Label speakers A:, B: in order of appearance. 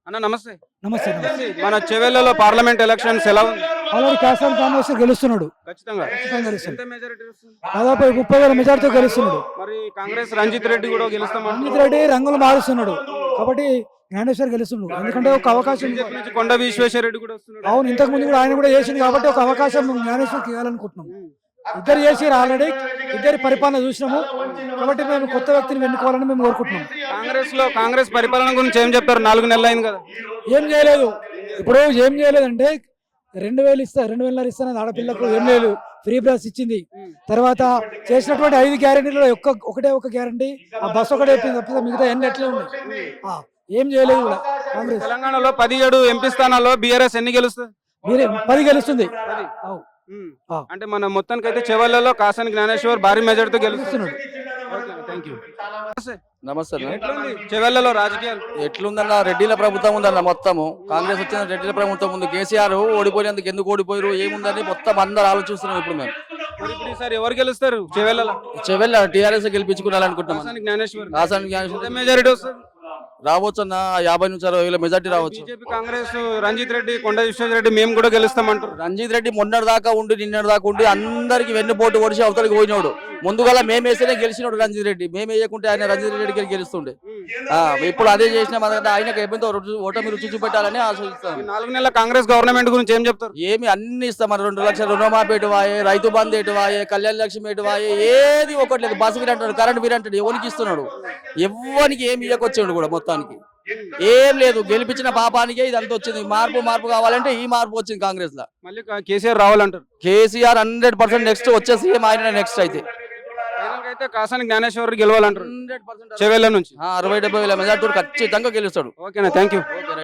A: అన్న నమస్తే.
B: నమస్తే నమస్తే.
A: మన చెవెళ్లలో పార్లమెంట్ ఎలక్షన్స్ ఎలా ఉంది?
B: ఆల్రెడీ కాసాని కామేశ్వర్ గెలుస్తున్నాడు.
A: ఖచ్చితంగా
B: ఖచ్చితంగా గెలుస్తాడు.
A: ఎంత మెజారిటీ వస్తుంది?
B: దాదాపు 30,000 మెజార్టీతో గెలుస్తున్నాడు.
A: మరి కాంగ్రెస్ రంజిత్ రెడ్డి కూడా గెలుస్తామంటారు.
B: రంజిత్ రెడ్డి రంగులు మారుస్తున్నాడు కాబట్టి జ్ఞానేశ్వర్ గెలుస్తున్నాడు. ఎందుకంటే ఒక అవకాశం.
A: బీజేపీ నుంచి కొండ విశ్వేశ్వర రెడ్డి కూడా వస్తున్నాడు.
B: అవును, ఇంతకు ముందు కూడా ఆయన కూడా చేసింది కాబట్టి ఒక అవకాశం జ్ఞానేశ్వర్కి ఇవ్వాలనుకుంటున్నాం. ఇద్దరు చేసారు ఆల్రెడీ, ఇద్దరి పరిపాలన చూసినాము కాబట్టి మేము కొత్త వ్యక్తిని ఎన్నుకోవాలని మేము కోరుకుంటున్నాం.
A: కాంగ్రెస్ పరిపాలన గురించి ఏం చెప్తారు? 4 నెలలు అయింది కదా.
B: ఏం చేయలేదు. ఇప్పుడు ఏం చేయలేదంటే 2,000 ఇస్తా, 2,500 ఇస్తానని ఆడపిల్లకు ఏం లేదు, ఫ్రీ బస్ ఇచ్చింది. తర్వాత చేసినటువంటి 5 గ్యారెంటీలో ఒకటే ఒక గ్యారెంటీ, ఆ బస్ ఒకటే తప్పితే మిగతా ఎన్ని ఎట్లే ఉన్నాయి. ఏం చేయలేదు కూడా కాంగ్రెస్.
A: తెలంగాణలో 17 ఎంపీ స్థానాల్లో బీఆర్ఎస్ ఎన్ని గెలుస్తుంది?
B: 10 గెలుస్తుంది.
A: అంటే మన మొత్తానికి అయితే చెవెళ్లలో కాసాని జ్ఞానేశ్వర్ భారీ మెజార్టీతో గెలుస్తున్నాడు.
C: నమస్తే అన్న.
A: చెవెళ్లలో రాజకీయాలు
C: ఎట్లుందన్న? రెడ్డిల ప్రభుత్వం ఉందన్న మొత్తము. కాంగ్రెస్ వచ్చిన రెడ్డిల ప్రభుత్వం ఉంది. కేసీఆర్ ఓడిపోయినందుకు ఎందుకు ఓడిపోయారు ఏముందని మొత్తం అందరు ఆలోచిస్తున్నాం ఇప్పుడు మేము.
A: మరి ఇప్పుడు ఈసారి ఎవరు గెలుస్తారు చెవెళ్లలో?
C: చెవెళ్ళ టీఆర్ఎస్ గెలిపించుకోవాలనుకుంటున్నాం.
A: కాసాని జ్ఞానేశ్వర్
C: కాసాని జ్ఞానేశ్వర్
A: ఎంత మెజారిటీ వస్తుంది?
C: రావచ్చు అన్న, 50 నుంచి 60,000 మెజార్టీ రావచ్చు.
A: బీజేపీ కాంగ్రెస్ రంజిత్ రెడ్డి కొండ విశ్వేశ్వర రెడ్డి మేము కూడా గెలుస్తామంటారు.
C: రంజిత్ రెడ్డి మొన్నటి దాకా ఉండి నిన్నటి దాకా ఉండి అందరికి వెన్నుపోటు ఓడిచి అవతలకి పోయినాడు. ముందుగా మేము వేస్తేనే గెలిచినాడు రంజిత్ రెడ్డి. మేము వేయకుంటే ఆయన రంజిత్ రెడ్డికి గెలుస్తుండే. ఇప్పుడు అదే చేసిన ఆయనకు ఎంతో ఓటమి రుచి చూపెట్టాలని ఆశిస్తాం.
A: 4 నెలల కాంగ్రెస్ గవర్నమెంట్ గురించి ఏం చెప్తారు?
C: ఏమి అన్ని ఇస్తాం. మన 2 లక్షల రుణమాఫీ ఎటువాయే, రైతు బంధు ఎటువాయే, కళ్యాణ లక్ష్మి ఎటువాయే, ఏది ఒకటి లేదు. బస్సు బిల్ అంటాడు, కరెంట్ బిల్ అంటాడు, ఎవరికి ఇస్తున్నాడు? ఎవరికి ఏమి ఇవ్వకొచ్చాడు కూడా మొత్తానికి ఏం లేదు. గెలిపించిన పాపానికే ఇదంతా వచ్చింది. మార్పు కావాలంటే ఈ మార్పు వచ్చింది కాంగ్రెస్ లో.
A: మళ్ళీ కేసీఆర్ రావాలంటారు.
C: కేసీఆర్ 100% నెక్స్ట్ వచ్చే సీఎం ఆయన నెక్స్ట్ అయితే.
A: అయితే కాసాని జ్ఞానేశ్వర్ గెలవాలంటారు చెవెళ్ల నుంచి.
C: 60-70 వేల మెజార్టీ ఖచ్చితంగా గెలుస్తాడు.
A: ఓకేనా, థ్యాంక్ యూ.